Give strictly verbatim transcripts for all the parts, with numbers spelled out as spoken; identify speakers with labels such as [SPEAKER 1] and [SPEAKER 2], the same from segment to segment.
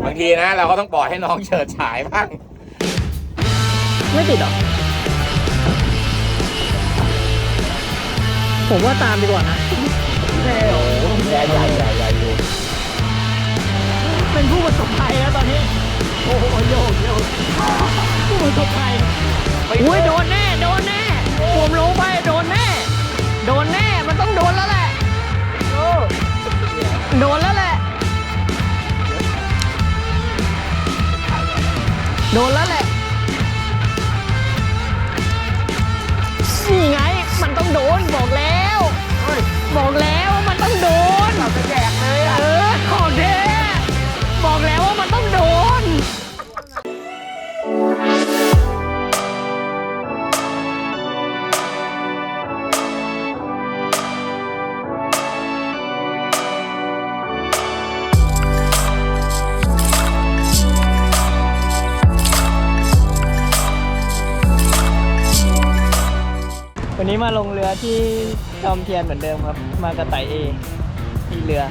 [SPEAKER 1] างทีนะเราก็ต้องปล่อยให้น้องเฉิดฉายบ้าง
[SPEAKER 2] ไม่ติดหรอผมว่าตามดีกว่านะ
[SPEAKER 1] แน่โอ้ใหญ่ใหญ่ใหญ่ใหญ่อยู่
[SPEAKER 2] เป็นผู้ประสบภัยแล้วตอนนี้โอ้โหโยกโยกผู้ประสบภัยอุ้ยโดนแน่โดนแน่ผมลงไปโดนแน่โดนแน่มันต้องโดนแล้วแหละโดนแล้วแหละโดนแล้วแหละนี่ไงมันต้องโดนบอกแล้วบอกแล้วมันต้องโดนเราจะแจกเลยอ่ะเออของเด้บอกแล้วว่ามันต้องโดนวันนี้มาลงเรือที่จอมเทียนเหมือนเดิมครับมากระไต่เอที่เรือ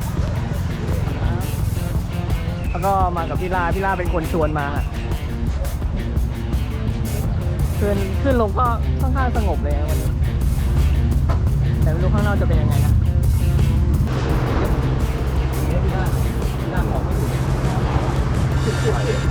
[SPEAKER 2] แล้วก็มากับพี่ลาพี่ลาเป็นคนชวนมาขึ้นขึ้นลงก็ค่อนข้างสงบเลยวันนี้แต่ไม่รู้ข้างนอกจะเป็นยังไงนะพี่ลาพี่ลาออกไม่ถูก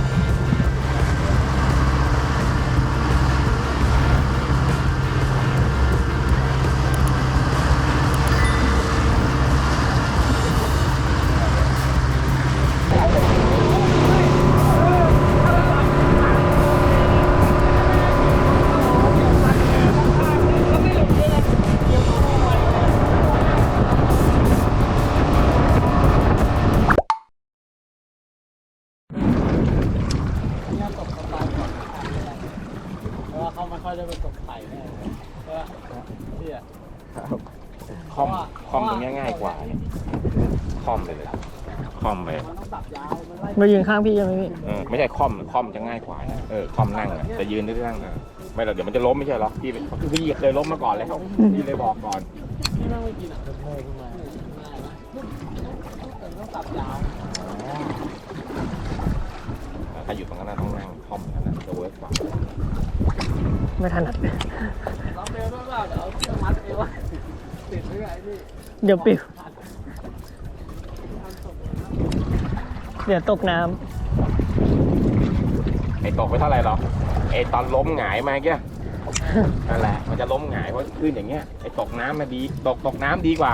[SPEAKER 1] คอมคอมตรงนี้ง่ายกว่าเนี่ยคอมเลยเลยคอมเลย
[SPEAKER 2] มายืนข้างพี่ยังไหมพี่
[SPEAKER 1] เออไม่ใช่คอมคอมจะง่ายกว่านะเออคอมนั่งอ่ะจะยืนได้นั่งอ่ะไม่หรอกเดี๋ยวมันจะล้มไม่ใช่หรอพี่พี่เคยล้มมาก่อนแล้วพี่เลยบอกก่อนถ้าอยู่ตรงนั้นต้องนั่งคอมกันนะจะเวิร์กกว่า
[SPEAKER 2] ไม่ถนัดเดี๋ยวปิวเดี๋ยวตกน้
[SPEAKER 1] ำไอ้ตกไปเท่าไหร่หรอไอ้ตอนล้มหงายมาเกี้ยนั่นแหละมันจะล้มหงายเพราะขึ้นอย่างเงี้ยไอ้ตกน้ำมาดีตกตกน้ำดีกว่า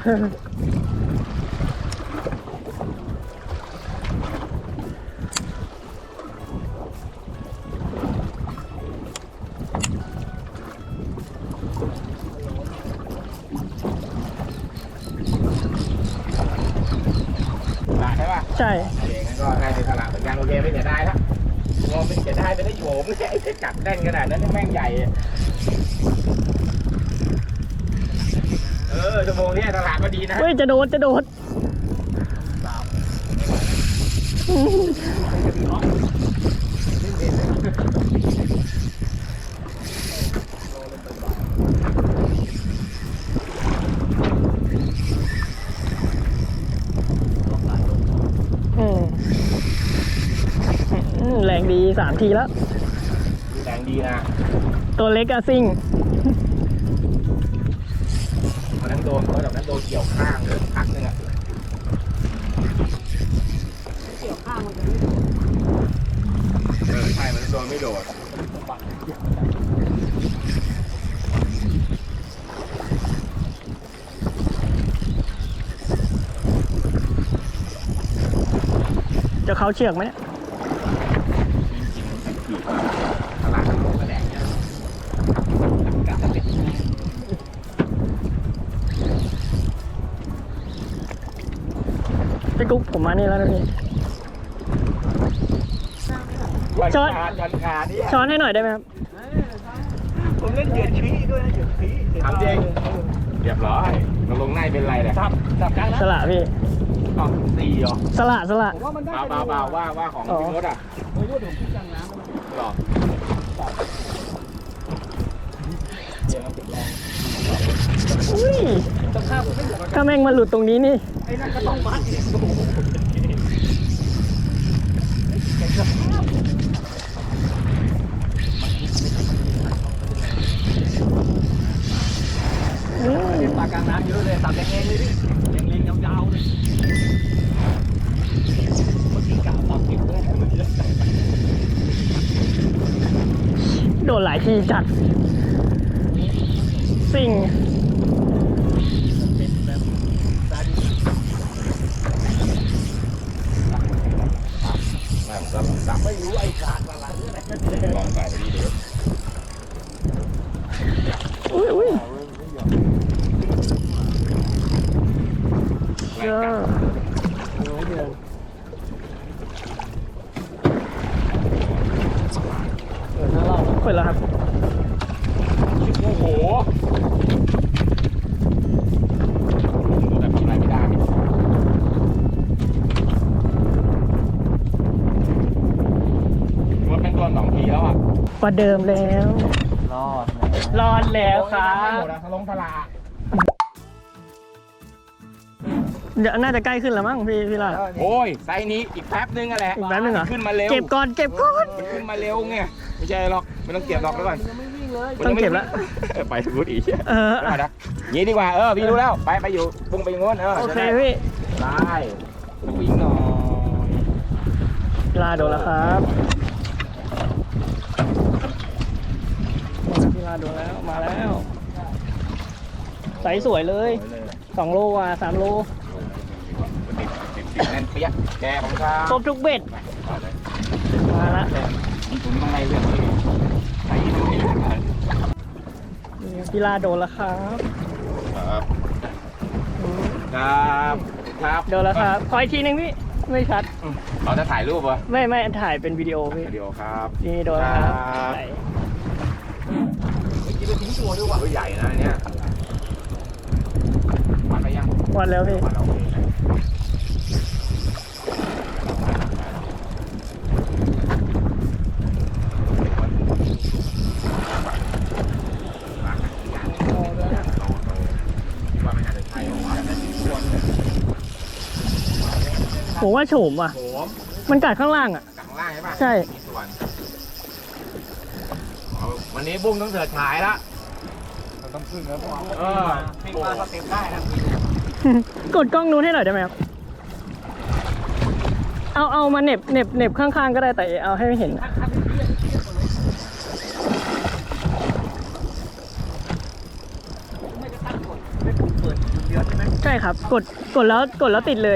[SPEAKER 2] ใช่
[SPEAKER 1] โอเคงั้นก็ได้ในตลาดเหมือนกันโอเคไม่เสียดายแล้วงอไม่เสียดายจะได้โฉมไอ้จับแน่นขนาดนั้นแม่งใหญ่เออชั่วโมงนี้ตลาดก็ดีนะ
[SPEAKER 2] เฮ้ยจะโดดจะโดดแรงดีสามทีแล้ว
[SPEAKER 1] แรงดีนะ
[SPEAKER 2] ตัวเล็กอะซิ่ง
[SPEAKER 1] วันนั้นโดนเพราะแบบนั้นโดนเกี่ยวข้างเลยพักนึงอะเกี่ยวข้างมันจะไม่โดดเออใช่มันโดนไม่โดด
[SPEAKER 2] จะเขาเชือกไหมพี่กุ๊กผมมานี่แล้วนะพี่ช้อนช้อนให้หน่อยได้ไหมครับ
[SPEAKER 3] ผมเล่นเหยื่อชี้ด้วยนะเหยื่อชี้
[SPEAKER 1] ทำจริงเรียบร้อยเราลงในเป็นไรเนี่ย
[SPEAKER 3] จับจับกลางนะ
[SPEAKER 2] สละพี่
[SPEAKER 1] อ๋อสี่เหรอ
[SPEAKER 2] สละสละ
[SPEAKER 1] เบาเบาเบาว่าว่าของพี่มดอ่ะ
[SPEAKER 3] ไม่รู้ผมคิดกลางน้ำ
[SPEAKER 1] หรอ
[SPEAKER 2] อุ้ยถ้าแม่งมาหลุดตรงนี้นี่
[SPEAKER 3] ไอ้นั่นก็ต้องมัด
[SPEAKER 2] ดนหลายทีจัดสิ่ง
[SPEAKER 1] ไม่รู้ไอ้ขาดอะไรลองใส่ไปดีเดี๋ยว
[SPEAKER 2] อุ้ยอุ้ย
[SPEAKER 1] ไล่กัด
[SPEAKER 2] เปิดแล้วครับ
[SPEAKER 1] โอ้โหแต่ทำอะไรไม่ได้รถเป็นตัวสองทีแล้วอ่ะ
[SPEAKER 2] ประเดิมแล้ว
[SPEAKER 3] รอด
[SPEAKER 2] รอดแล้วครับ
[SPEAKER 1] หมดแล้วทะลงทลา
[SPEAKER 2] เดี๋ยวน่าจะใกล้ขึ้นแล้วมั้งพี่พี่ลาด
[SPEAKER 1] โอ้ยไซส์นี้อีกแป๊บนึงอะแหละ
[SPEAKER 2] อีกแป๊บนึงเหรอ
[SPEAKER 1] ขึ้นมาเร็ว
[SPEAKER 2] เก็บก่อนเก็บก่อน
[SPEAKER 1] มันขึ้นมาเร็วไงไม่ใช่หรอกไม่ต้องเก็บหรอกแล้วก่อน
[SPEAKER 2] ต้องเก็บแล้ว
[SPEAKER 1] ไปถึงพูดอีก
[SPEAKER 2] เออ
[SPEAKER 1] ไปนะงี้ดีกว่าเออพี่รู้แล้วไปไปอยู่ปุ้งไปอย่างโน้นเออ
[SPEAKER 2] โอเคพี่
[SPEAKER 1] ได้ต้องวิ่งหน่อย
[SPEAKER 2] ลาโดนแล้วครับพี่ลาโดนแล้วมาแล้วใสสวยเลยสองโลกว่าสามโล
[SPEAKER 1] ติดติดแน่นเปี้ยแกของข้า
[SPEAKER 2] ครบทุกเบ็ดมาละ
[SPEAKER 1] ผมต้องไล่เรื่องนี้ใส่ตรงนี้ครับ
[SPEAKER 2] พี่ลาโดนแล้วครับ
[SPEAKER 1] ครับครับครับ
[SPEAKER 2] โดนแล้วครับขออีกทีหนึงพี่ไม่ชัด
[SPEAKER 1] เราจะถ่ายรูปวะ
[SPEAKER 2] ไม่ไม่ถ่ายเป็นวิดีโอพี่
[SPEAKER 1] วิดีโอครับ
[SPEAKER 2] นี่โดนแล้วครับ
[SPEAKER 1] ครับ
[SPEAKER 2] ไหน
[SPEAKER 1] ไม่คิดว่าทิ้งตัวด้วยว่ะใหญ่นะเนี่ยวัดไปยัง
[SPEAKER 2] วัดแล้วพี่
[SPEAKER 1] วัดเราเองนะว่าไม่น่าจะใช่หรอกแต่ทิ้งตัวเนี่ย
[SPEAKER 2] ผมว่าโฉมว่ะ
[SPEAKER 1] โหม
[SPEAKER 2] มันกัดข้างล่างอ่ะ
[SPEAKER 1] จากข้างล่างใช่ปะ
[SPEAKER 2] ใช่
[SPEAKER 1] มีส่วนเอาวันนี้บุ้งต้องเสิร์ชฉายละ
[SPEAKER 3] เราต้องขึ้นแล้ว
[SPEAKER 1] เออ
[SPEAKER 3] วิ่งมาสเต็ปได้นะ
[SPEAKER 2] กดกล้องนู้นให้หน่อยได้ไหมครับ เอาเอามาเหน็บเหน็บเหน็บข้างๆก็ได้แต่เอาให้เห็นนะ
[SPEAKER 3] ไม่จะตั้งกดไม่ถูกเปิดเดียวใช่ไหม
[SPEAKER 2] ใช่ครับ กดกดแล้วกดแล้วติดเลย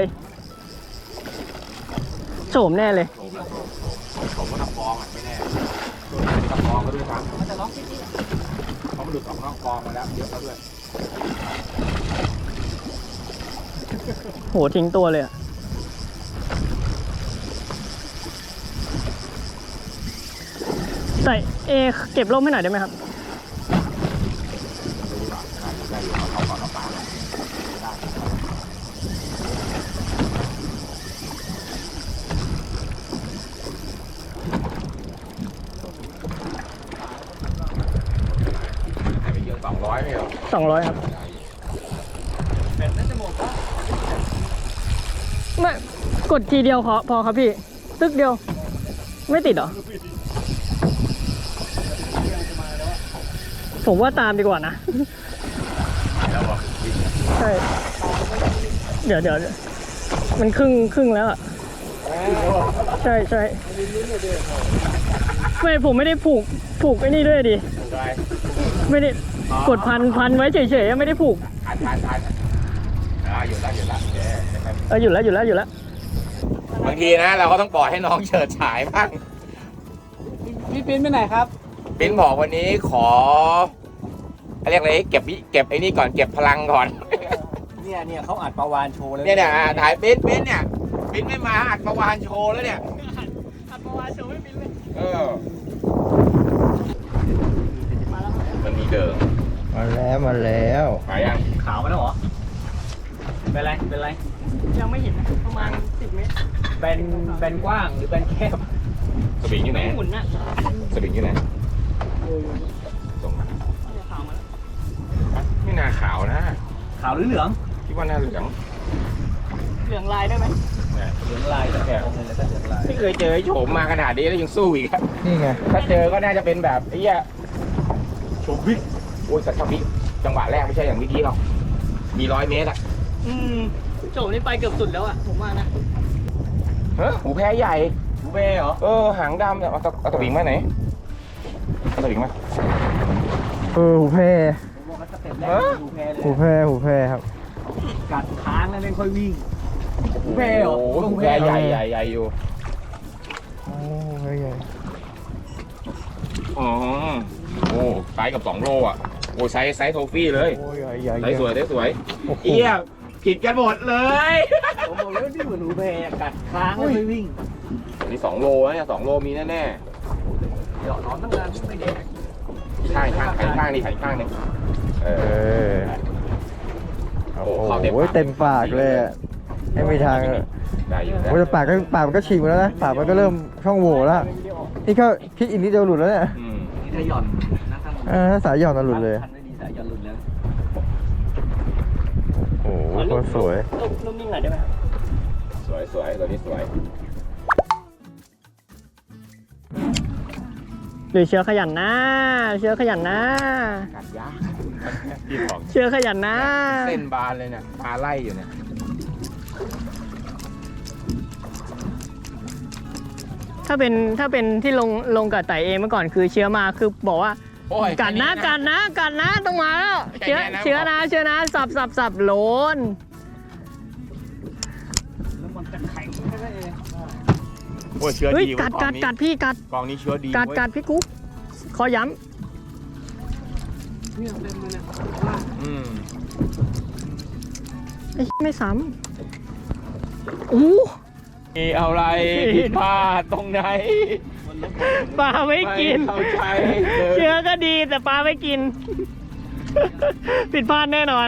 [SPEAKER 2] โฉมแน่เลย
[SPEAKER 1] ผมก็ทำฟองอ่ะไม่แน่ทำฟองก็ด้วยครับมันจะล็อกที่นี่เขามาดูดออกนอกฟองมาแล้วเยอะแล้วด้วย
[SPEAKER 2] โหทิ้งตัวเลยอะใส่เอเก็บร่มให้หน่อยได้ไหมครับ
[SPEAKER 1] ได้อยู่เอาก่อนเอาปลาได้ไปเยอะสองร้อยไม่เหรอ
[SPEAKER 2] สองร้อยครับ
[SPEAKER 3] แบบนั้นจะหมดแล้ว
[SPEAKER 2] ไม่กดทีเดียวพอพอครับพี่ ตึกเดียว ไม่ติดเหรอ ผมว่าตามดีกว่านะ
[SPEAKER 1] แล้วบอก
[SPEAKER 2] ใช่ เดี๋ยวเดี๋ยวเดี๋ยวมันครึ่งครึ่งแล้วอ่ะ ใช่ใช่ไม่ผมไม่ได้ผูกผูกไอ้นี่ด้วยดิ
[SPEAKER 1] ได้
[SPEAKER 2] ไม่ได้กดพันพันไว้เฉยๆไม่ได้ผูก
[SPEAKER 1] ทานทานทานอ่าอยู่แล้วอยู่แล้ว
[SPEAKER 2] เอออยู่แล้วอยู่แล้วอยู่แล้ว
[SPEAKER 1] บางทีนะเราก็ต้องปล่อยให้น้องเฉิดฉายบ้าง
[SPEAKER 3] พี่ปิ้นไปไหนครับ
[SPEAKER 1] ปิ้นบอกวันนี้ขอเรียกอะไรเก็บเก็บไอ้นี่ก่อนเก็บพลังก่อน
[SPEAKER 3] เนี่ยเนี่ยเขาอัดประวานโชว์เลย
[SPEAKER 1] เนี่ยเนี่ยอ่าถ่ายปิ้นปิ้นเนี่ยปิ้นไม่มาอัดประวานโชว์แล้วเนี่ย
[SPEAKER 2] อัดประวานโชว์ไม่บินเลย
[SPEAKER 1] เออมันมีเดิม
[SPEAKER 3] มาแล้วมาแล้ว
[SPEAKER 1] ไปยัง
[SPEAKER 3] ขาวมาแล้วเหรอเป็นไรเป็นไร
[SPEAKER 2] ยังไม่เห็นนะประมาณสิบเมตร
[SPEAKER 3] เป็นเป็นกว้างหรือเป็นแคบ
[SPEAKER 1] สวิงอยู่ไหน
[SPEAKER 2] หมุนน่ะ
[SPEAKER 1] สวิงอยู่ไหนส่งมา
[SPEAKER 2] ขาวมาแล้ว
[SPEAKER 1] ไม่น่าขาวนะ
[SPEAKER 3] ขาวหรือเหลือง
[SPEAKER 1] คิดว่าน่าเหลือง
[SPEAKER 2] เหลืองลายได้ไหม
[SPEAKER 1] เนี่ย
[SPEAKER 3] เหลืองลายแต่แกะออกเลยแล้วก็เหลืองลาย
[SPEAKER 1] ไม่เคยเจอไอ้โฉมมาขนาดนี้แล้วยังสู้อีกอะ
[SPEAKER 3] นี่ไง
[SPEAKER 1] ถ้าเจอก็น่าจะเป็นแบบไอ้เหี้ยโฉมบิ๊กโอ้ยแต่ถ้าบิ๊กจังหวะแรกไม่ใช่อย่างเมื่อกี้หรอกมีร้อยเมตรอะ
[SPEAKER 2] อืมโฉมนี่ไปเกือบสุดแล้วอ่ะผมว่านะ
[SPEAKER 1] เฮ้ยหูแพ้ใหญ่
[SPEAKER 3] หูเบ้เหรอ
[SPEAKER 1] เออหางดำเนี่ยเอาตะเอาตะวิงมาไหนเอาตสลิงไหม
[SPEAKER 4] เออหูแพร
[SPEAKER 3] บอกว่าสเต็ปแรกหูแพรเลย
[SPEAKER 4] หูแพรหูแพรครับ
[SPEAKER 3] กัดค้างแล้วไม่ค่อยวิ่งหูแพรเหรอ
[SPEAKER 1] โอ้โหแพรใหญ่ใหญ่ใหญ่อยู่
[SPEAKER 4] โอ้แพรใหญ่
[SPEAKER 1] อ๋อโอ้ไซส์กับสองโลอ่ะโอ้ไซส์ไซส์โทฟี่เลย
[SPEAKER 4] โอ้ยใหญ่ใหญ่
[SPEAKER 1] ไซส์สวยไซส์สวย
[SPEAKER 4] โอ้โห
[SPEAKER 1] เอี้ยผิดกันหมดเลย
[SPEAKER 3] ผมบอกแล้วนี่เหมือนหูแพรกัดค้างแล้วไม่วิ่ง
[SPEAKER 1] อันนี้สองโลนะเนี่ยสองโลมีแน่
[SPEAKER 3] เดี๋ยวนอนตั้งนานไม่แดก
[SPEAKER 1] ๆข้างข้างข้างข้างนี่ข้างนึงเอ
[SPEAKER 4] เอ
[SPEAKER 1] อ
[SPEAKER 4] อ
[SPEAKER 1] โอ้
[SPEAKER 4] โอ้
[SPEAKER 1] เข้าเต็ม
[SPEAKER 4] โห
[SPEAKER 1] ปาก
[SPEAKER 4] เต็มปากเลยอะไม่มีทางเลย
[SPEAKER 1] ได้อยู่
[SPEAKER 4] โอ้แต่ปากก็ปากมันก็ฉีกหมดแล้วนะปากมันก็เริ่มช่องโหว่แล้วนี่ก็คิดอีกนิดเดียวหลุดแล้วเนี่ย
[SPEAKER 1] อืม
[SPEAKER 3] นี่ถ้าหย่อนนะข้าง
[SPEAKER 4] เออถ้าสายหย่อนน่ะหลุดเลย
[SPEAKER 3] คันไม่ดีสายหย่อนหลุดแล้ว
[SPEAKER 4] โอ้โหโคตรสวย
[SPEAKER 2] นุ่มนิ่งหน่อยได้ไหม
[SPEAKER 1] สวยสวยตัวนี้สวย
[SPEAKER 2] หรือเชื้อขยันนะเชื้อขยันนะ
[SPEAKER 1] กัดยากพี่บอก
[SPEAKER 2] เชื้อขยันนะ
[SPEAKER 1] เส้นบานเลยเนี่ยปลาไล่อยู่เนี่ย
[SPEAKER 2] ถ้าเป็นถ้าเป็นที่ลงลงกับไต่เองเมื่อก่อนคือเชื้อมาคือบอกว่า
[SPEAKER 1] โอ้ย
[SPEAKER 2] กัดนะกัดนะกัดนะต้องมาแล้ว
[SPEAKER 1] แค่
[SPEAKER 2] เชื้อ
[SPEAKER 1] นี้นะ
[SPEAKER 2] เชื้อนะเชื้อนะสับสับสับโลน
[SPEAKER 3] แล้วมันจะแข็งแค่นั้นเอง
[SPEAKER 1] โอ้ยเชื้อ
[SPEAKER 2] เฮ้ย
[SPEAKER 1] ดี
[SPEAKER 2] กัด
[SPEAKER 1] เว้ย
[SPEAKER 2] กัด
[SPEAKER 1] ก
[SPEAKER 2] กั
[SPEAKER 1] อง
[SPEAKER 2] ด
[SPEAKER 1] นี้
[SPEAKER 2] พี่กัด
[SPEAKER 1] กองนี้เชื้อดี
[SPEAKER 2] กัด
[SPEAKER 1] เว้ย
[SPEAKER 2] กัดพี่กุ๊กขอย้
[SPEAKER 3] เนี่ยเต็มเลยเนี่ย
[SPEAKER 1] อืม
[SPEAKER 2] ำไอ้ไม่ซ้ำอู้
[SPEAKER 1] มีอะไรผิดพลาดตรงไหน
[SPEAKER 2] ปลาไม่กิน
[SPEAKER 1] ไม่เข้าใจเลย
[SPEAKER 2] เชื้อก็ดีแต่ปลาไม่กิน ผิดพลาดแน่นอน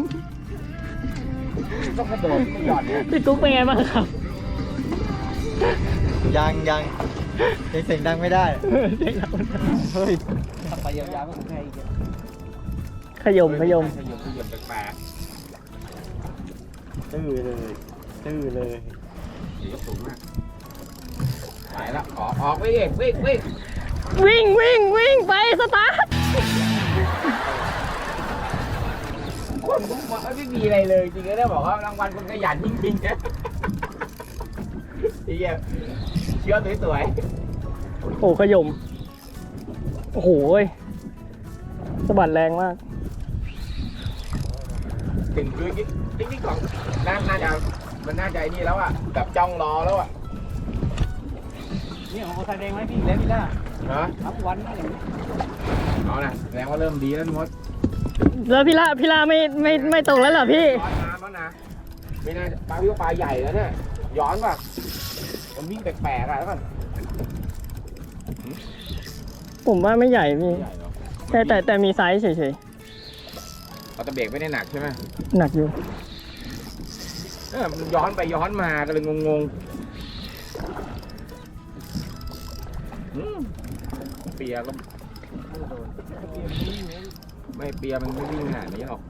[SPEAKER 1] ต้องกระโดดไม่หย่อนเนี่ย
[SPEAKER 2] พี่กุ๊กเป็นไงบ้างครับ
[SPEAKER 4] ยังยังยังเสียงดังไม่ได้
[SPEAKER 2] เด็กเรา
[SPEAKER 4] เฮ้ย
[SPEAKER 3] ขับไปยาวๆก็หูแพรอีกอะ
[SPEAKER 2] ขยมขยม
[SPEAKER 1] ขยมขยมแปลก
[SPEAKER 4] ตื้อเลยตื้อเลย
[SPEAKER 1] ๆเดี๋ยวสูงมากไปแล้วออกออกวิ่งวิ่งวิ่ง
[SPEAKER 2] วิ่งวิ่งวิ่งไปสตาร์ท
[SPEAKER 1] คนผมบอกว่าไม่มีอะไรเลยจริงๆแล้วบอกว่ารางวัลคนขยันจริงๆนะไอ้เหี้ยเชื้อสวย
[SPEAKER 2] โอ้ขยม โอ้โหยสะบัดแรงมาก
[SPEAKER 1] ๆถึงคือติ๊กติ๊กของน่าน่าจะมันน่าจะไอ้นี่แล้วอ่ะแบบจ้องรอแล้วอ่ะ
[SPEAKER 3] นี่ของโอซาแดงไหมพี่แล้วพี่ล่ะ
[SPEAKER 1] ฮะ
[SPEAKER 3] ทับวันนะอย่างนี้
[SPEAKER 1] เอานะแสดงว่าเริ่มดีแล้วทุกคน
[SPEAKER 2] แล้วพี่ละพี่ละไม่ไม่ไม่ตกแล้วเหรอพี่
[SPEAKER 1] ย้อนน้ำแล้วนะไม่น่าปลาวิวปลาใหญ่แล้วเนี่ยย้อนป่ะมันวิ่งแปลกๆอ่ะแล้วก่อน
[SPEAKER 2] ผมว่าไม่ใหญ่พี่
[SPEAKER 1] ใหญ่เหรอ
[SPEAKER 2] แต่แต่แต่มีไซส์เฉย
[SPEAKER 1] เราจะเบรกไม่ได้หนักใช่ไหม
[SPEAKER 2] ๆ หนักอยู่
[SPEAKER 1] เออมันย้อนไปย้อนมาก็เลยงงๆอืมเปียก็ไม่เปียมันไม่วิ่งขนาดนี้หรอก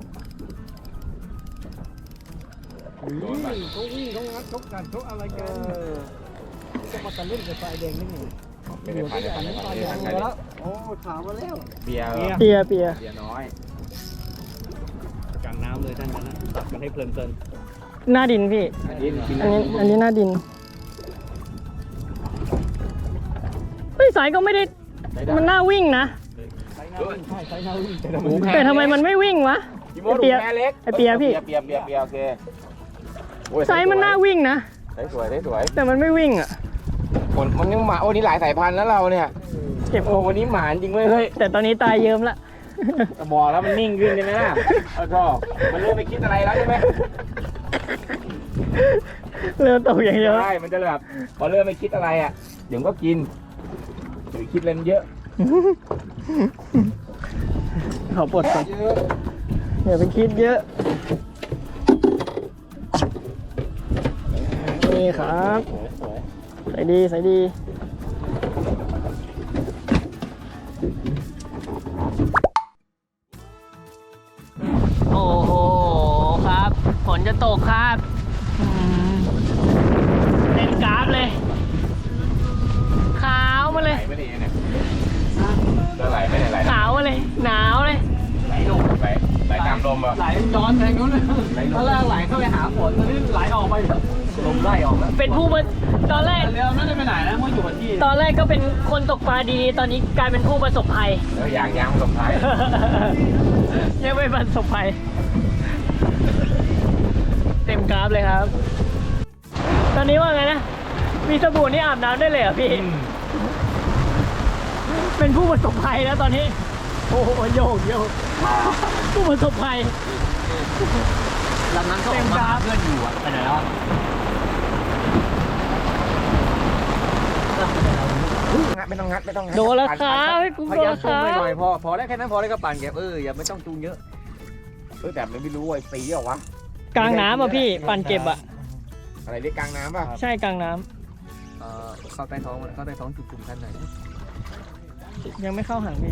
[SPEAKER 1] โดนปะ
[SPEAKER 3] เขาวิ่งเขางัดเขากัดเขาอะไรกันจะมาตะลึงกับไฟแดงนี่ไง
[SPEAKER 1] ไม่ได้พันไม่ได้พันไม่ได้พันไม่ได้พัน
[SPEAKER 3] แล้วโอ้ถามมาแล้ว
[SPEAKER 1] เปีย
[SPEAKER 2] เปียเปีย
[SPEAKER 1] เปียน้อย
[SPEAKER 3] กลางน้ำเลยท่านนั้นนะตัดกันให้เพลิน
[SPEAKER 2] หน้าดินพี่
[SPEAKER 1] อันนี้กิน
[SPEAKER 2] อันนี้อันนี้หน้าดิน เฮ้ยสายก็ไม่ได้ มันน่าวิ่งนะ
[SPEAKER 3] ๆใช้น้ำวิ่งใช่ใช้น้ำวิ่งแต่
[SPEAKER 1] หมูแพ
[SPEAKER 2] แต่ทำไมมันไม่วิ่งวะ
[SPEAKER 1] พี่โมดูแม่เล็ก
[SPEAKER 2] ไอ้เปียพี่
[SPEAKER 1] เปียเปียเปียโอเคโอ้ย
[SPEAKER 2] ไซส์มันน่าวิ่งนะ
[SPEAKER 1] ได้สวยได้สวย
[SPEAKER 2] แต่มันไม่วิ่งอ่ะ
[SPEAKER 1] คนมันยังหมาโอ้นี่หลายสายพันธุ์แล้วเราเนี่ย
[SPEAKER 2] เจ็บ
[SPEAKER 1] โอ้วันนี้หมาจริงเว้ยเฮ้ย
[SPEAKER 2] แต่ตอนนี้ตายเยิ้มละ
[SPEAKER 1] บอกแล้วมันนิ่งขึ้นใช่ไหมล่ะเออก็มันเริ่มไม่คิดอะไรแล้วใช่ไหม
[SPEAKER 2] เริ่มตกอย่างเดียว
[SPEAKER 1] ใช่มันจะแบบพอเริ่มไม่คิดอะไรอ่ะเดี๋ยวก็กินหรือคิดเล่นเยอะ
[SPEAKER 2] ขอปลดก่อนอย่าไปคิดเยอะ นี่ครับใส่ดีใส่ดี โอ้โหครับ ฝนจะตกครับอืมเล่นกราฟเลย ขาวมาเลย
[SPEAKER 1] ไหลไม่ได้เนี่ยจะไหลไม่ได้ไหล
[SPEAKER 2] ขาวมาเลย หนาวเลย
[SPEAKER 1] ไหลลงไหลไหลตามลมเหรอ
[SPEAKER 3] ไหลย้อนแทงนู้นเลยตอนแรกไหลเข้าไปหาฝนตอนนี้ไหลออกไปลมไล่ออกแล้ว
[SPEAKER 2] เป็นผู้ประตอนแรก
[SPEAKER 3] เรือไม่ได้ไปไหนนะมันอยู่กับที่
[SPEAKER 2] ตอนแรกก็เป็นคนตกปลาดีๆ ตอนนี้กลายเป็นผู้ประสบภัย
[SPEAKER 1] เออยางยางประสบภัย
[SPEAKER 2] ยังไม่ประสบภัย เต็มกราฟเลยครับ ตอนนี้ว่าไงนะ มีสบู่นี่อาบน้ำได้เลยเหรอพี่ เป็นผู้ประสบภัยแล้วตอนนี้ โอ้โหโยกโยกผู้ประสบภัย
[SPEAKER 3] ลำนั้นก็ออกมาเพื่อนอยู่อ่ะไปไหนแล้ว
[SPEAKER 1] ไม่ต้องงัดไม่ต้องงัด
[SPEAKER 2] โดนแล้วครับพี่กุ้ง
[SPEAKER 3] พ
[SPEAKER 2] โด
[SPEAKER 3] ยาน ยาม
[SPEAKER 2] แล้วค
[SPEAKER 3] จูง
[SPEAKER 2] รับ
[SPEAKER 3] หน่อยๆพอพอแล้วแค่นั้นพอแล้วก็ปั่นแกเอออย่าไม่ต้องจูงเยอะ
[SPEAKER 1] เออแต่ไม่รู้ไอ้ปีเหรอวะ
[SPEAKER 2] กลางน้ำอ่ะพี่ ปั่นเก็บอ่ะ
[SPEAKER 1] อะไรเรียกกลางน้ำป่ะ
[SPEAKER 2] ใช่กลางน้
[SPEAKER 3] เออเข้าใต้ท้องมันเข้าใต้ท้องจุ่มๆกันหน่อย
[SPEAKER 2] ำยังไม่เข้าหางพี่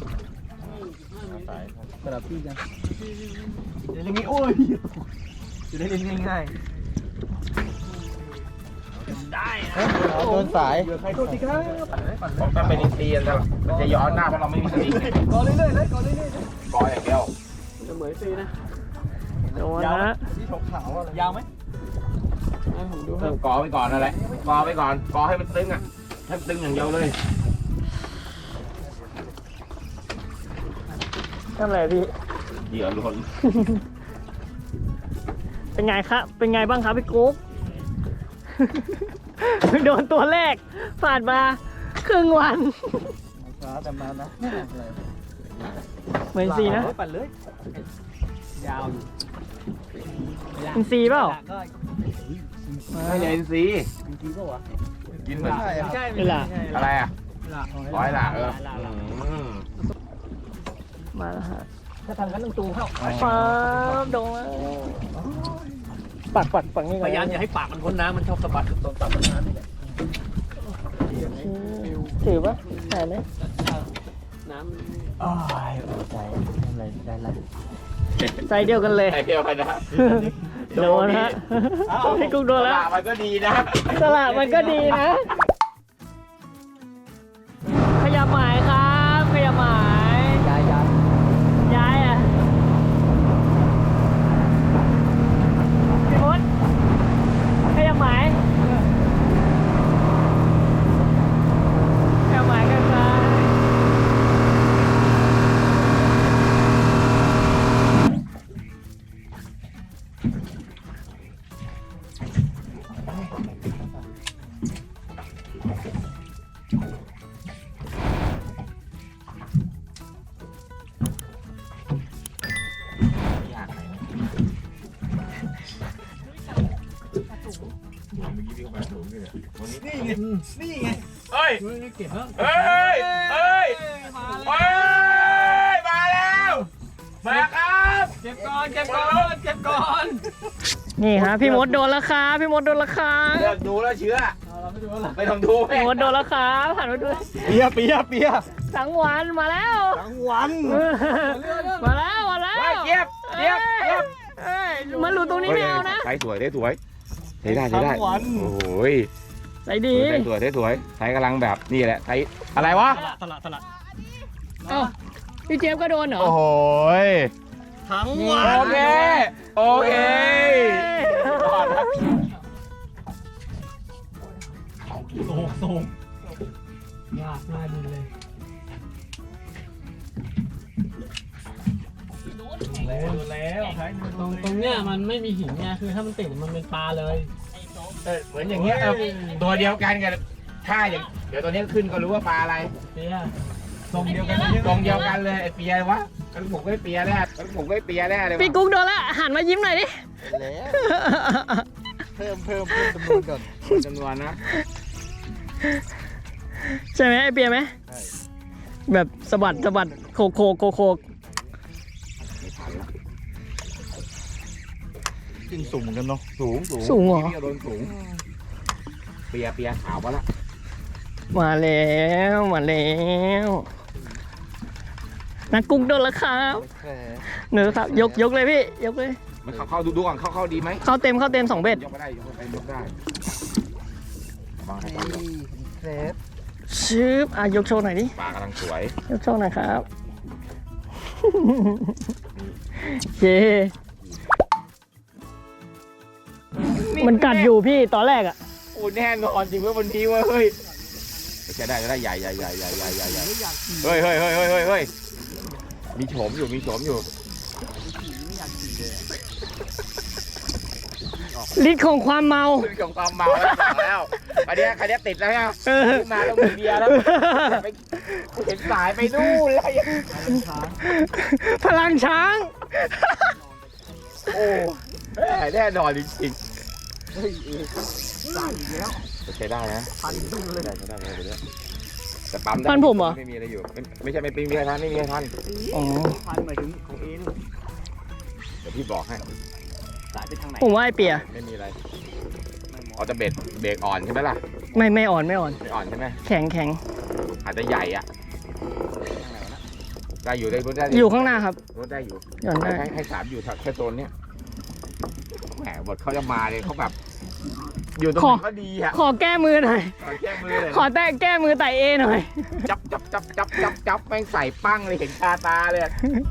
[SPEAKER 3] สำหรับพี่กันจะเล่นง่ายโอ้ยจะได้เล่นง่าย
[SPEAKER 4] โดนสาย
[SPEAKER 3] ๆใครโทษทีครับ
[SPEAKER 1] ผมต้องเป็นอินเดียนแล้วมันจะย้อนหน้าเพราะเราไม่มีสลิง
[SPEAKER 3] ก่อเรื่อยๆเลยก่อเรื่อย
[SPEAKER 1] กออย่างเดียว
[SPEAKER 3] ๆจะเหมือนตีนะ
[SPEAKER 2] โดนนะ
[SPEAKER 3] ที่ขาวๆยาวไหม
[SPEAKER 1] เริ่มกอไปก่อนนั่นแหละกอไปก่อนกอให้มันตึงอ่ะให้มันตึงอย่างเดียวเลย
[SPEAKER 2] นั่นแหละพี่
[SPEAKER 1] เหยื่อหล่น
[SPEAKER 2] เป็นไงครับ เป็นไงบ้างครับพี่กุ๊ก โดนตัวแรกผ่านมาครึ่งวัน
[SPEAKER 3] ช้าแต่มานะ
[SPEAKER 2] เหมือนซีนะ
[SPEAKER 3] ปั่นเลยยาวอยู่
[SPEAKER 2] เป็นซีเปล่า
[SPEAKER 1] ไม่ใช่อินซีย์
[SPEAKER 3] จริงๆก็วะ
[SPEAKER 1] กินเหมือน
[SPEAKER 3] ใช่
[SPEAKER 2] เวลา
[SPEAKER 1] อะไรอ่ะร้อยหล่ะเอออืม
[SPEAKER 2] มาแล้วฮะ
[SPEAKER 3] ถ้าทำกันต้องจูงเข้า
[SPEAKER 2] ป๊าบโดนแล้วปักปักปักนี่ก่
[SPEAKER 3] พ
[SPEAKER 2] อน
[SPEAKER 3] ยายามอย่าให้ปากมันพ้นน้ำมันชอบสะบัดตรงปากมันน้ำนี่แหละ
[SPEAKER 2] ถือปะใส่ไหม
[SPEAKER 3] น้
[SPEAKER 4] โอ้ยใจทำอะไรได้ละ
[SPEAKER 2] ใส่เดียวกันเลย
[SPEAKER 1] ไอเดียวกันนะ
[SPEAKER 2] โดนฮะพี่กุ๊กโดนแล้ว
[SPEAKER 1] ปากมันก็ดีนะ
[SPEAKER 2] สละมันก็ดีนะ ขยับหมายครับ ขยับหมาย
[SPEAKER 3] ำย้ายย้าย
[SPEAKER 2] ย้ายอ่ะพี่มดขยับหมายขยับหมายกันซ้าย
[SPEAKER 1] เฮ้ย
[SPEAKER 3] เก็บแล้ว
[SPEAKER 1] เฮ้ย เฮ้ย เฮ้ย มาแล้ว มาครับ
[SPEAKER 3] เก็บก่อนเก็บก่อนเก็บก่อน
[SPEAKER 2] นี่ฮะพี่มดโดนแล้วครับพี่มดโดนแล้วครับ
[SPEAKER 1] เลิกดูแล้วเชื่อ
[SPEAKER 3] เราไม่ดูแล้ว
[SPEAKER 1] ไม่ต้องดู
[SPEAKER 2] พี่มดโดนแล้วครับหันมาดู
[SPEAKER 4] เปียเปียเปีย
[SPEAKER 2] สังวันมาแล้ว
[SPEAKER 4] ทั้งวัน
[SPEAKER 2] มาแล้วมาแล้ว
[SPEAKER 1] เฮ้ยเจี๊ยบเจี๊ยบเจี๊ยบ
[SPEAKER 2] เอ้ยมันหลุดตรงนี้ไม่เอานะ
[SPEAKER 1] ใช้สวยได้สวยใช้ได้ใช้ได้ โอ้ย
[SPEAKER 2] ใส่ดี
[SPEAKER 1] ใช้สวยได้สวยใช้กำลังแบบนี่แหละใช้อะไรวะ
[SPEAKER 3] ตลาดตลาด
[SPEAKER 2] เอ้าพี่เจี๊ยบก็โดนเหรอ
[SPEAKER 1] โอ้โหย
[SPEAKER 3] ทั้ง
[SPEAKER 1] โอเค โอเคก่อนนะ
[SPEAKER 3] โอ้โหสูงยากมากเลยโดนแล้วตรงตรงเนี้ยมันไม่มีหินไงคือถ้ามันติดมันเป็นปลาเลย
[SPEAKER 1] เออเหมือนอย่างเงี้ยเออตัวเดียวกันกันถ้าอย่างเดี๋ยวตัวนี้ขึ้นก็รู้ว่าปลาอะไร
[SPEAKER 3] เปียทรงเดียวกัน
[SPEAKER 1] ตรงเดียวกันเลยไอเปียวะกันผมก็เปียแน่กันผมก็เปียแน่เลย
[SPEAKER 2] พี่กุ๊กโดนละหันมายิ้มหน่อยดิ
[SPEAKER 4] แล้วเพิ่มเพิ่มเพิ่มจำนวนก่อน
[SPEAKER 1] จำนวนนะ
[SPEAKER 2] ใช่ไหมไอเปียไหมแบบสะบัดสะบัดโคกโคกโคกโคก
[SPEAKER 4] จริงสูงเหมือนกันเนาะ
[SPEAKER 1] สูงสูง
[SPEAKER 2] สูงเหรอ
[SPEAKER 1] พี่โดนสูงเปียเปียขาวมาละ
[SPEAKER 2] มาแล้วมาแล้วนักกุ้งโดนแล้วครับ
[SPEAKER 4] แหม
[SPEAKER 2] เนื้อครับยกยกเลยพี่ยกเลย
[SPEAKER 1] มันเข้าเข้าดูดูก่อนเข้าเข้าดีไหม
[SPEAKER 2] เข้าเต็มเข้าเต็มสองเบ็ด
[SPEAKER 1] ยกไม่ได้ยกไม่ได้ยกได้วางให้
[SPEAKER 4] นี่
[SPEAKER 1] ปลา
[SPEAKER 4] เครป
[SPEAKER 2] ชืบอ่ะยกโชว์หน่อยดิ
[SPEAKER 1] ปลากำลังสวย
[SPEAKER 2] ยกโชว์หน่อยครับเย้มันกัดอยู่พี่ตอนแรกอ่ะ
[SPEAKER 1] โอ้แน่นอนจริงเว่าวันนี้ว่าเฮ้ยใช้ได้ใช้ได้ใหญ่ใหญ่ใหญ่ใหญ่ใหญ่ใหญ่ใหญ่เฮ้ยเฮ้ยเฮ้ยเฮ้ยเฮ้ยเฮ้ยมีโฉมอยู่มีโฉมอยู่
[SPEAKER 2] ฤทธิ์ของความเมา
[SPEAKER 1] ขึ้นของความเมาแล้วบอกแล้วอันเนี้ยคันนี้ติดแล้วเนี่ยขึ้นมาต้องมีเบียร์แล้วไปเห็นสายไปนู่นเลย
[SPEAKER 2] พลังช้าง
[SPEAKER 1] โอ้แน่นอนจริงๆเฮ้ยสายอีกแล้วใช้ได้นะพันเลยได้ใช้ได้เลยเนี้ยแต่ปั๊มได้
[SPEAKER 2] พันผมเหรอ
[SPEAKER 1] ไม่มีอะไรอยู่ไม่ไม่ใช่ไม่มีอะไรทันไม่มีอะไรทัน
[SPEAKER 2] อ๋อ
[SPEAKER 3] พันหมายถึงของเอ็น
[SPEAKER 1] เดี๋ยวพี่บอกให้
[SPEAKER 3] สายไปทางไหน
[SPEAKER 2] ผมว่าไอเปีย
[SPEAKER 1] ไม่มีอะไรอ๋อจะเบรกเบรกอ่อนใช่ไหมล่ะ
[SPEAKER 2] ไม่ไม่อ่อนไม่อ่อน
[SPEAKER 1] ไม่อ่อนใช่ไหม
[SPEAKER 2] แข็งแข็ง
[SPEAKER 1] อาจจะใหญ่อะได้อยู่ได้รถได้
[SPEAKER 2] อยู่ข้างหน้าครับ
[SPEAKER 1] รถได้อยู่
[SPEAKER 2] หย่อนได้
[SPEAKER 1] ให้ให้สามอยู่แค่โซนเนี้ยแหมบทเขาจะมาเลยเขาแบบ อยู่ตรงไหนก็ดีอะ
[SPEAKER 2] ขอแก้มือหน่อย
[SPEAKER 1] ขอแก้มือเลย
[SPEAKER 2] ขอแต้แก้มือไต่เอหน่อย
[SPEAKER 1] จับจับจับจับจับจับแม่งใส่ปั้งเลยเห็นคาตาเลย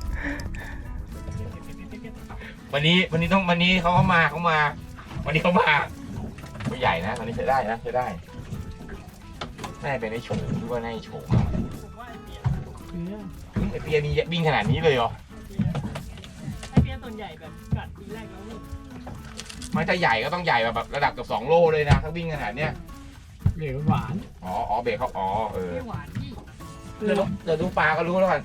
[SPEAKER 1] วันนี้วันนี้ต้องวันนี้เขาเขามาเขามา วันนี้เขามาไม่ใหญ่นะวันนี้ใช้ได้นะใช้ได้น่าจะเป็นไอ้โฉมหรือว่าไอ้โฉม
[SPEAKER 3] ผมว่าไอเปีย
[SPEAKER 1] ไอ้เปียมีวิ่งขนาดนี้เลยเหรอ
[SPEAKER 3] ไอเปียส่วนใหญ่แบบกัดทีแรกแล้วนี่
[SPEAKER 1] มันจะใหญ่ก็ต้องใหญ่แบบระดับกับสองโลเลยนะถ้าวิ่งขนาดเนี้ย
[SPEAKER 3] เหลวหวาน
[SPEAKER 1] อ๋ออ๋อเบรกเขาอ๋อเออ
[SPEAKER 3] ไม่หวานพี่
[SPEAKER 1] เดี๋ยวดูเดี๋ยวดูปลาก็รู้แล้วกัน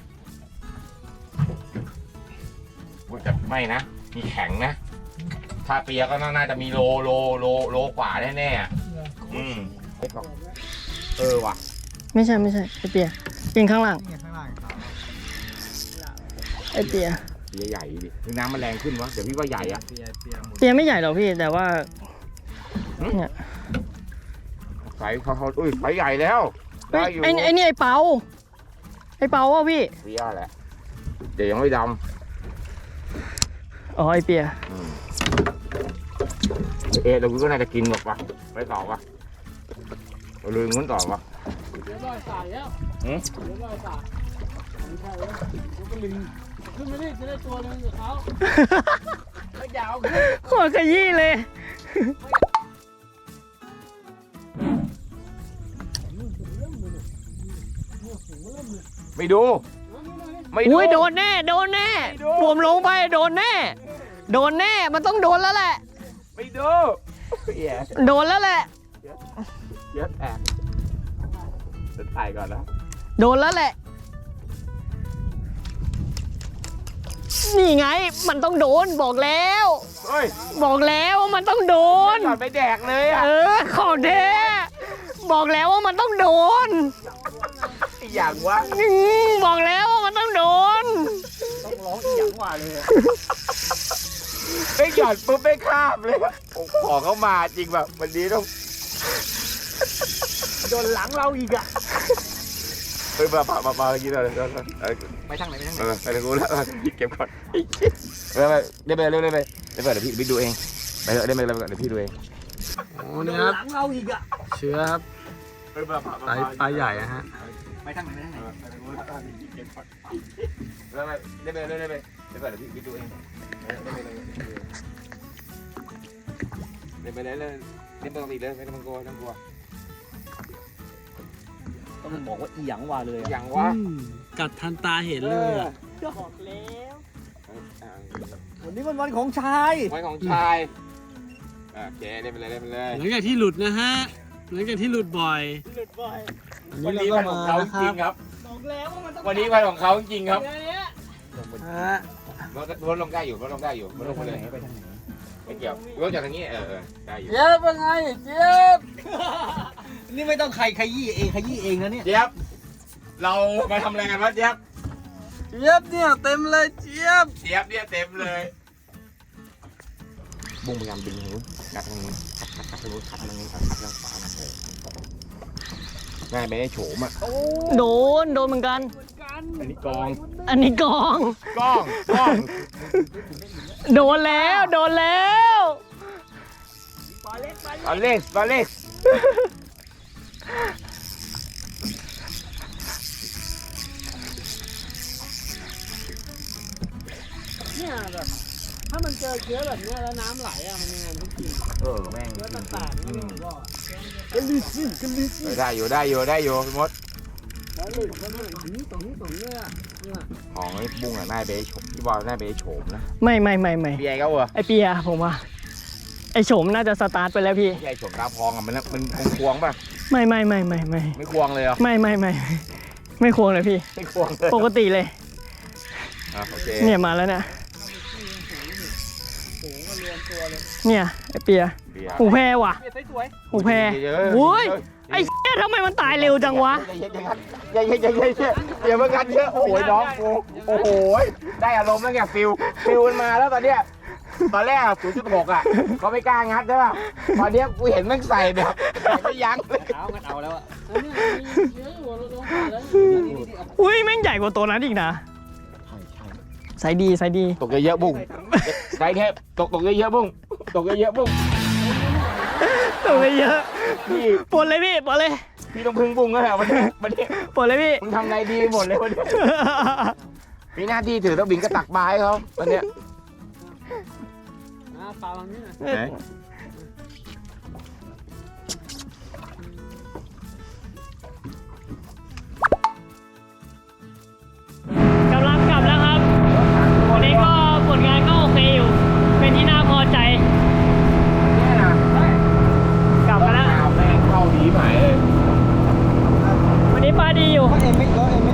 [SPEAKER 1] อุ๊ยแต่ไม่นะมีแข็งนะถ้าเปียก็น่าจะมีโลโลโลโลกว่าแน่ๆอ่ะอืมเออว่ะ
[SPEAKER 2] ไม่ใช่ไม่ใช่ไอเปียยิงข้างล่าง
[SPEAKER 4] นี่ข้างล่าง
[SPEAKER 2] ไอเปีย
[SPEAKER 1] เปียใหญ่ดิคือน้ำมันแรงขึ้นวะเดี๋ยวพี่ว่าใหญ่อ่ะ
[SPEAKER 4] เปียเปียหมุน
[SPEAKER 2] เปียไม่ใหญ่หรอกพี่แต่ว่า
[SPEAKER 1] หืม
[SPEAKER 2] เนี่ย
[SPEAKER 1] ไฟเขาเขาอุ้ยไฟใหญ่แล้ว
[SPEAKER 2] เฮ้
[SPEAKER 1] ได้
[SPEAKER 2] ย
[SPEAKER 1] อยู่
[SPEAKER 2] ไอไอนี่ไอเปาไอเปาว่ะพี่
[SPEAKER 1] เปียแหละเดี๋ยวยังไม่ด
[SPEAKER 2] อ๋อไอเปีย
[SPEAKER 1] ำอืมเอะเราก็น่าจะกินหรอกวะไปต่อวะเราลืมงั้นต่อวะ
[SPEAKER 3] เดี๋ยวรอยสายแล้ว
[SPEAKER 1] หืม
[SPEAKER 3] เดี๋ยวรอยสายไม่ใช่แล้วผมก็ลิงขึ้นมาดิจะได้ตัวนึงกับเขาไม่ยาวขึ้น
[SPEAKER 2] โคตรขยี้เลย
[SPEAKER 1] ไม่ดู ไม่ดู
[SPEAKER 2] อุ้ยโดนแน่โดนแน่ผมลงไปโดนแน่ โดนแน่มันต้องโดนแล้วแหละ
[SPEAKER 1] ไม่ดูเหี้ย
[SPEAKER 2] โดนแล้วแหละ
[SPEAKER 1] เยอะแอบจะถ่ายก่อนนะ
[SPEAKER 2] โดนแล้วแหละ นี่ไงมันต้องโดนบอกแล้ว
[SPEAKER 1] เฮ้ย
[SPEAKER 2] บอกแล้วว่ามันต้องโดน
[SPEAKER 1] ก่อนไปแดกเลยอ่ะ
[SPEAKER 2] เออของแท้บอกแล้วว่ามันต้องโดน
[SPEAKER 1] อย่างวะ
[SPEAKER 2] อืมบอกแล้วว่ามันต้องโดน
[SPEAKER 3] ต้องร้องอีหยังว่าเลย
[SPEAKER 1] ไม่หย่อนปุ๊บไม่ข้ามเลยโอ้ของเขามาจริงแบบวันนี้ต้อง
[SPEAKER 3] โดนหลังเราอีกอ่ะ
[SPEAKER 1] เฮ้ยมามามามาเมื่อกี้เลยเดี๋ยวเออ
[SPEAKER 3] ไปทางไหนไปทางไหน
[SPEAKER 1] เออไปทางกูแล้วเก็บก่อนไปไปเดี๋ยวไปเร็วเร็วไปเดี๋ยวไปเดี๋ยวพี่พี่ดูเองไปเถอะเดี๋ยวไปเดี๋ยวพี่ดูเอง
[SPEAKER 3] โอ้เนี่ยครับหลังเราอีกอ่ะ
[SPEAKER 4] เชื้อครับ
[SPEAKER 1] เฮ้ยมามา
[SPEAKER 4] ปลาปลาใหญ่นะฮะ
[SPEAKER 3] ไปทางไหนไปทางไหน
[SPEAKER 1] ไปทางกูแล้วเก็บก่อนเดี๋ยวไปเดี๋ยวไปเดี๋ยวไปเดี๋ยวไปเดี๋ยวพี่พี่ดูเองเดี๋ยวไปเดี๋ยวไปเดี๋ยวไปเดี๋ยวเดี๋ยวปกติเลยไม่ต้องกลัวไม่ต้องกลัว
[SPEAKER 3] ต้องบอกว่าอีหยังว่าเลย
[SPEAKER 1] อย่างวะ
[SPEAKER 3] กัดทันตาเห็นเลยอ่ะ
[SPEAKER 2] บอกแล้ว
[SPEAKER 3] วันนี้มันวันของชาย
[SPEAKER 1] ไว้ของชายโอเคเล่นไปเลยเล่นไปเลย
[SPEAKER 3] หลังจากที่หลุดนะฮะหลังจากที่หลุดบ่อย
[SPEAKER 2] หลุดบ่อย
[SPEAKER 1] วันนี้วันของเขาจริงครับ
[SPEAKER 2] บอกแล้วว่ามันต้อง
[SPEAKER 1] วันนี้วันของเขาจริงครับ
[SPEAKER 2] อย่างเงี้ย
[SPEAKER 3] ฮะ
[SPEAKER 1] รถรถลงได้อยู่รถลงได้อยู่รถลงไปเลยไม่เกี่ยวรถจากทางนี้เออเออได้อยู่
[SPEAKER 3] เจี๊ยบเป็นไงเจี๊ยบนี่ไม่ต้องใครขยี้เองขยี้เองนะเนี่ย
[SPEAKER 1] เจี๊ยบเรามาทำอะไรกันวะเจี๊ยบ
[SPEAKER 3] เจี๊ยบเนี่ยเต็มเลยเจี๊ยบ
[SPEAKER 1] เจี๊ยบเนี่ยเต็มเลยบุ้งพยายามดึงทางนู้นกัดทางนู้นกัดทางนู้นกัดทางนู้นกัดทางขวาง่ายไปได้โฉมอ่ะ
[SPEAKER 2] โดนโดนเหมือนกัน
[SPEAKER 1] อันนี้กอง
[SPEAKER 2] อันนี้กอง
[SPEAKER 1] กองกอง
[SPEAKER 2] โดนแล้วโดนแล้ว
[SPEAKER 1] บอลเล็กบอลเล็ก
[SPEAKER 3] เนี่ยแบบถ้ามันเจอเชื้อแบบเนี้ยแล้วน้ำไหลอ่ะมันยังไงมันกิน
[SPEAKER 1] เออแม่ง
[SPEAKER 3] เชื้อต่างๆนี่ผมบอกกันลิซี่กันลิซี่
[SPEAKER 1] ได้อยู่ได้อยู่ได้อยู่พี่มด
[SPEAKER 3] แล้วหลุดมันหลุดนี่ตรงนี้ตรงนี้อ่ะเนี่ย
[SPEAKER 1] ของไอ้บุ้งอ่ะน่าไปโฉมพี่บอลน่าไปโฉมนะ
[SPEAKER 2] ไม่ไม่ไม่ไม่
[SPEAKER 1] พี่ไอ้เขาเหรอ
[SPEAKER 2] ไอเปียผมว่าไอโฉมน่าจะสตาร์ทไปแล้วพี่
[SPEAKER 1] พี่ไอ้โฉมตาพองอ่ะมันมันควงป่ะ
[SPEAKER 2] ไม่ไม่ไม่ไม่ไม่
[SPEAKER 1] ไม่ควงเลยเหรอ
[SPEAKER 2] ไม่ไม่ไม่ไม่ควรเลยพี่
[SPEAKER 1] ไม่ควงเลย
[SPEAKER 2] ปกติเลย
[SPEAKER 1] อ่ะโอเค
[SPEAKER 2] เนี่ยมาแล้วเนี่ย
[SPEAKER 3] โอ้โหมารวมตัวเลย
[SPEAKER 2] เนี่ยไอเปีย
[SPEAKER 1] เบียร์
[SPEAKER 2] หูแพรว่ะ
[SPEAKER 3] เปียสวย
[SPEAKER 2] หูแพร
[SPEAKER 1] เยอะๆ
[SPEAKER 2] โอ้ยไอ้เหี้ยทำไมมันตายเร็วจังวะ
[SPEAKER 1] อย่าอย่าอย่าอย่าอย่าอย่ามากันเยอะโอ้ยน้องกูโอ้โหได้อารมณ์แล้วไงฟิลฟิลมันมาแล้วตอนเนี้ยตอนแรกศูนย์จุดหกอ่ะเขาไม่กล้างัดใช่ป่ะตอนเนี้ยกูเห็นแม่งใส่แบบใส่ไม่ยั้งเลย
[SPEAKER 3] เอางันเอาแล้วอ่ะอันนี้มีเยอะอยู่เราลงมาแล้ว
[SPEAKER 2] อุ้ยแม่งใหญ่กว่าตัวนั้นอีกนะใส่ดีใส่ดี
[SPEAKER 1] ตกเยอะๆบุ้งใส่แค่ตกตกเยอะๆบุ้งตกเยอะๆบุ้ง
[SPEAKER 2] ตัวไปเยอะ
[SPEAKER 1] พี่
[SPEAKER 2] ปวดเลยพี่ปวดเลย
[SPEAKER 1] พี่ต้องพึ่งบุ้งแล้วแหละวันนี้วันนี้
[SPEAKER 2] ปวดเลยพี่
[SPEAKER 1] มึงทำไงดีหมดเลยวันนี้มีหน้าที่ถือต้องบินกระตักบายเขาวันเนี้ย
[SPEAKER 3] อ่าปลาบางนี้นะ
[SPEAKER 1] ไหน
[SPEAKER 2] กำลังกลับแล้วครับวันนี้ก็ผลงานก็โอเคอยู่ เป็นที่น่าพอใจ
[SPEAKER 1] เนี่ยนะ
[SPEAKER 2] กลับมาแล้ว
[SPEAKER 1] เอาแม่งเข้าดีหมายเลย
[SPEAKER 2] วันนี้ปลาดีอยู่
[SPEAKER 4] เอ็มไม่แล้วเอ็มไม่